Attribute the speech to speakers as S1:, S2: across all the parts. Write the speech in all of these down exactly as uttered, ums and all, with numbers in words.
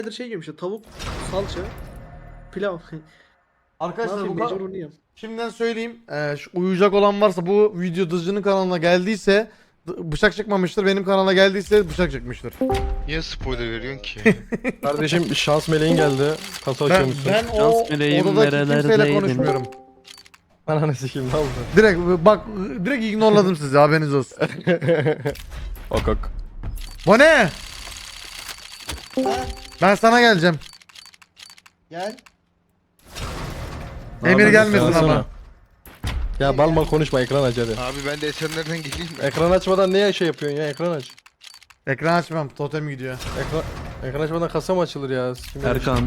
S1: şey yiyorum işte tavuk, salça, pilav.
S2: Arkadaşlar bu
S1: mecbur
S2: kadar.
S1: onu yiyorum.
S2: Şimdiden söyleyeyim. Ee, şu uyuyacak olan varsa bu video Dızcı'nın kanalına geldiyse d- bıçak çıkmamıştır. Benim kanala geldiyse bıçak çıkmıştır.
S3: Niye spoiler veriyorsun ki?
S4: Kardeşim şans meleğin geldi. Kasa
S2: Ben,
S4: açıyormuşsun.
S2: ben o
S5: Şans meleğim
S2: odadaki kimseyle
S5: nerelerdeydin?
S2: konuşmuyorum.
S4: Ananı sikeyim ne oldu?
S2: Direkt bak direkt ignorladım sizi, haberiniz olsun.
S4: Ok ok.
S2: Bu ne? Ben sana geleceğim.
S6: Gel.
S2: Emir
S4: Abi,
S2: gelmesin
S4: söylesene.
S2: ama.
S4: Ya bal mal konuşma, ekran aç hadi.
S3: Abi ben de Esenler'den geleyim mi?
S4: Ekran açmadan niye şey yapıyorsun ya, ekran aç.
S2: Ekran açmam, totem gidiyor.
S4: Ekran, ekran açmadan kasa mı açılır ya? Sikim öyle
S5: Erkan.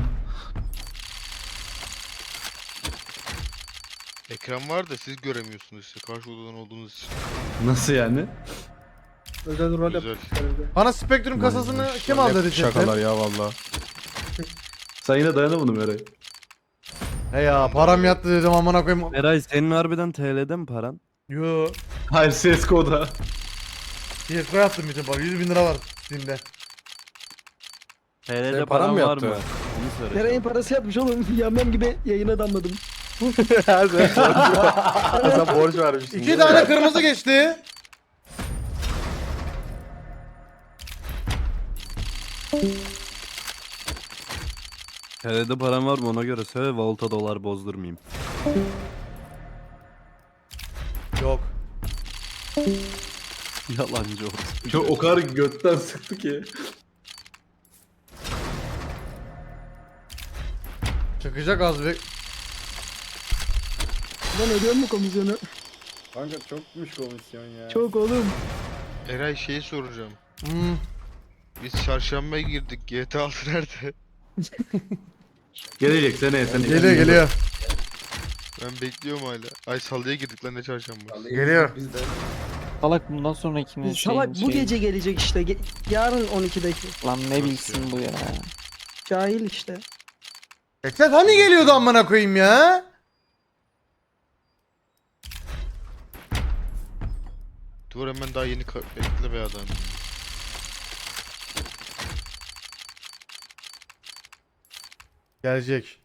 S3: Ekran var da siz göremiyorsunuz işte karşı odadan olduğunuz için.
S5: Nasıl yani?
S1: Özel rol
S3: Güzel.
S1: yapıyorum.
S2: Bana Spectrum kasasını
S4: şey?
S2: kim
S4: Ne
S2: aldı dedi
S4: Şakalar
S2: chatten?
S4: ya valla.
S5: Sen yine dayanamadın Eray.
S2: He ya param yattı dedim amına koyayım.
S5: Eray senin harbiden T L'de mi paran?
S2: Yo.
S5: Hayır C S G O'da.
S2: C S G O yaptım bütün bak, yüz bin lira var Steam'de.
S5: T L'de
S4: Senin
S5: paran
S4: paran mı
S5: var
S4: yattı?
S5: mı? Onu söyle.
S6: Nereye parası yapmış oğlum? Yamyam gibi yayına damladım.
S4: sen, sen borç vermişsin.
S2: İki tane kırmızı geçti.
S5: T L'de paran var mı ona göre söyle, Volta dolar bozdurmayayım.
S2: Yok.
S5: Yalancı olsun.
S7: Çok o kadar götten sıktı ki.
S2: Çıkacak az bir.
S6: Lan ödüyor mu komisyonu?
S7: Kanka çokmuş komisyon ya.
S6: Çok oğlum.
S3: Eray şeyi soracağım.
S2: Hmm.
S3: Biz çarşambaya girdik. G T A altı nerede?
S7: Gelecek seneye seneye.
S2: Geliyor geliyor.
S3: Ben bekliyorum hala. Ay salıya girdik lan ne çarşamba.
S2: Geliyor.
S8: Salak bundan sonra ikimiz
S6: Salak bu gece gelecek işte. Ge- yarın on ikideki.
S8: Lan ne bilsin bu ya.
S6: Cahil işte.
S2: Ekset hani geliyordu amına koyayım ya?
S3: Dur hemen daha yeni ka- bekle be adam.
S2: Gelecek.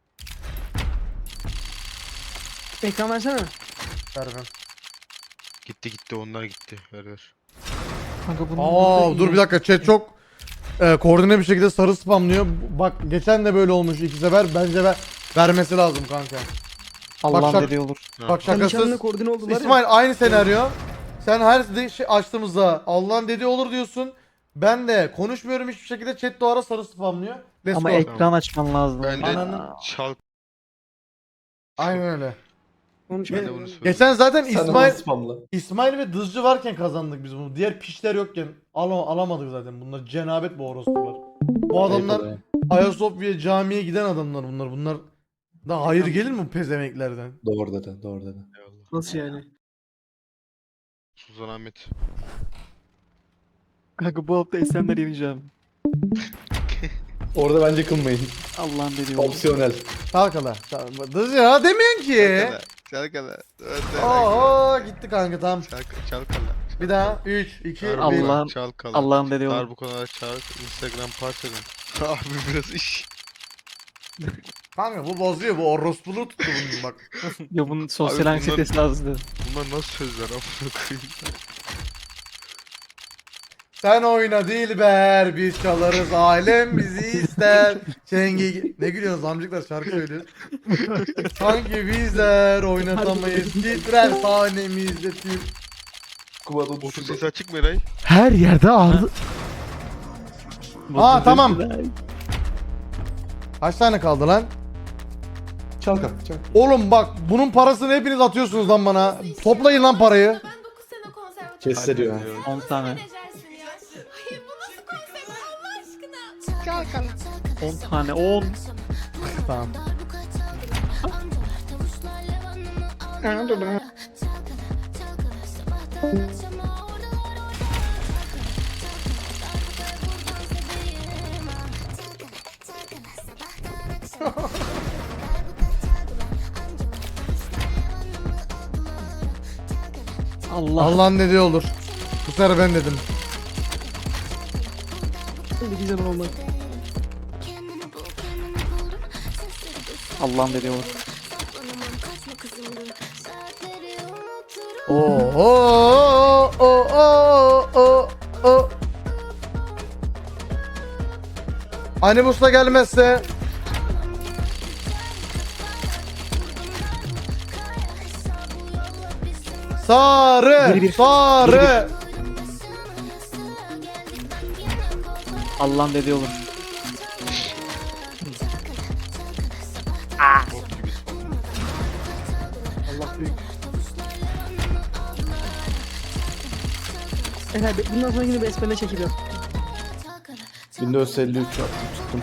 S6: Ekran versene.
S2: Vermem.
S3: Gitti gitti onlar gitti. Ver ver.
S8: Kanka bunun
S2: Aa dur bir dakika, chat çok e, koordine bir şekilde sarı spamlıyor. Bak geçen de böyle olmuş iki sefer, bence ver, vermesi lazım kanka.
S8: Allah'ın
S2: şak-
S8: dediği olur.
S3: Ha.
S2: Bak
S6: Nişanlı
S2: şakasız.
S6: koordine oldular ya.
S2: İsmail aynı senaryo. Sen her de- şey açtığımızda Allah'ın dediği olur diyorsun. Ben de konuşmuyorum hiçbir şekilde, chat de o ara sarı spamlıyor. Let's
S8: Ama
S2: go.
S8: ekran açman lazım.
S3: Ben de
S2: Ananın-
S3: çal.
S2: Aynen öyle.
S6: Konuşma.
S3: Ben de bunu söyleyeyim.
S2: Geçen zaten
S7: Sen onu
S2: İsmail
S7: spamla.
S2: İsmail ve Dızcı varken kazandık biz bunu. Diğer piçler yokken al alamadık zaten. Bunlar cenabet bu orospular. Bu adamlar
S7: Ayıp
S2: Ayasofya camiye giden adamlar bunlar. Bunlar da hayır gelir mi bu pezemeklerden?
S7: Doğru dedi doğru dedi.
S3: Eyvallah.
S6: Nasıl yani?
S3: Suzan Ahmet.
S8: Kanka bu hafta Esenler yeneceğim.
S7: Orada bence kılmayın.
S8: Allah'ın dediği olur.
S7: Opsiyonel.
S2: Kalkala. Dızcı ya demiyorsun ki.
S3: Çalkala.
S2: Oo gitti kanka tamam.
S3: Çalkala. Çalkala.
S2: Bir daha üç, iki, bir.
S8: Allah'ın-
S3: Çalkala.
S8: Allah'ın dediği olur.
S3: Dar bu konuda çağır. Instagram parçadan. Abi biraz iş.
S2: Kanka bu bozuyor, bu orospuluğu tuttu bunun bak.
S8: Ya bunun sosyal
S3: Abi bunlar-
S8: anksiyetesi lazım.
S3: Bunlar nasıl sözler amına koyayım.
S2: Sen oyna Dilber, biz çalarız, alem bizi ister. Çengi... Ne gülüyorsunuz amcıklar, şarkı söylüyor. Sanki bizler oynatamayız, titrer sanemizde tüm.
S7: Kumada
S3: Otur sesi açık mı Eray?
S2: Her yerde ağzı... Aa tamam. Kaç tane kaldı lan?
S7: Çal kanka çal.
S2: Oğlum bak bunun parasını hepiniz atıyorsunuz lan bana. Toplayın lan parayı.
S9: Ben dokuz sene konservatuvar.
S7: Kesse diyor.
S8: on tane.
S9: Menajersin ya. Hayır bu nasıl konsept Allah aşkına?
S8: on tane on.
S2: Tamam.
S8: Allah.
S2: Allah'ın dediği olur. Bu sefer ben dedim.
S6: Bir güzel olmak.
S8: Allah'ım dedi olur.
S2: Oo o o o o o. Animus'la gelmezse Sarı,
S8: Bir bir.
S2: sarı.
S8: Allah'ım dedi olur.
S3: Bok gibi spawn.
S2: Allah büyük.
S6: Eray be- bundan sonra yine besmele çekiliyor.
S7: Windows elli üç yaptım tuttum.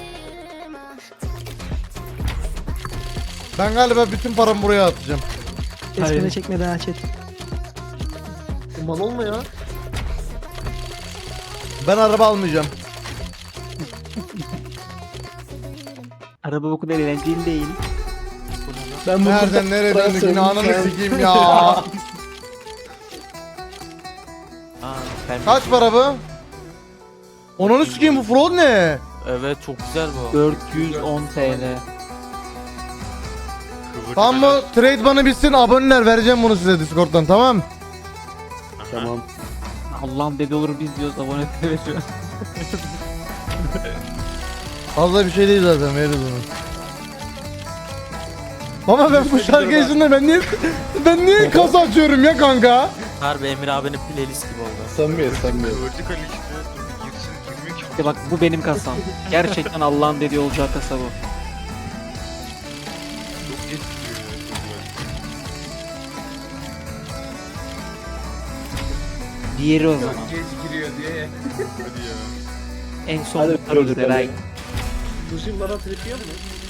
S2: Ben galiba bütün paramı buraya atacağım.
S6: Besmele
S8: Hayır.
S6: çekme daha chat.
S1: Mal olma ya.
S2: Ben araba almayacağım.
S8: Araba bu kadar eğlenceli değil.
S7: Ben bunu
S2: Nereden nereye
S7: Ben
S2: döndük yine
S7: söyleyeyim
S2: ananı
S7: sen.
S2: sikeyim ya.
S8: Aa, ben
S2: Kaç para bu? Onunu sikeyim bu fraud ne?
S8: Evet çok güzel bu. dört yüz on T L.
S3: Kıvırcık
S2: Tamam mı? Trade bana bitsin aboneler vereceğim bunu size Discord'dan tamam.
S7: Tamam.
S8: Allah'ım dedi olur biz diyoruz abone veriyoruz.
S2: Fazla bir şey değil zaten veririz onu. Ama ben bu şarkı yüzünden ben niye ben niye kasa açıyorum ya kanka?
S8: Harbi Emir abinin playlist gibi oldu.
S7: Samimiyet samimiyet.
S3: Kıvırcık Ali işte. Dur bir girsin girmiyor ki.
S8: İşte bak bu benim kasam. Gerçekten Allah'ın dediği olacağı kasa bu.
S3: Çok geç giriyor ya.
S8: Diğeri o zaman.
S3: Hadi ya.
S8: En son
S7: Hadi
S8: mutluluğu
S7: gördük
S8: Eray.
S1: Duşun bana trip yiyor mu?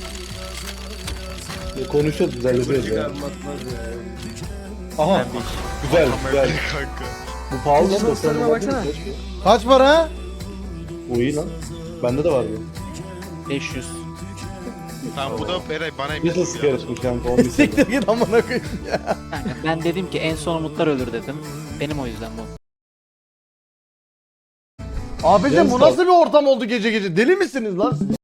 S7: Konuşuyoruz düzenliyoruz ya. Aha
S8: Ben bir
S7: güzel güzel.
S3: Kamerayı kanka.
S7: Bu pahalı lan.
S6: Soslarına
S7: doksan lira
S6: baksana.
S7: değil mi?
S2: Kaç para?
S7: Bu iyi lan. Bende de var bu.
S8: beş yüz.
S3: Tamam bu da Eray bana
S7: Bir de
S3: emin
S7: sigara bu kanka on bir sene.
S2: Siktir git amına koyayım ya.
S8: Kanka ben dedim ki en son umutlar ölür dedim. Benim o yüzden bu.
S2: Abicim bu
S7: Yes,
S2: nasıl bir ortam oldu gece gece? Deli misiniz lan siz?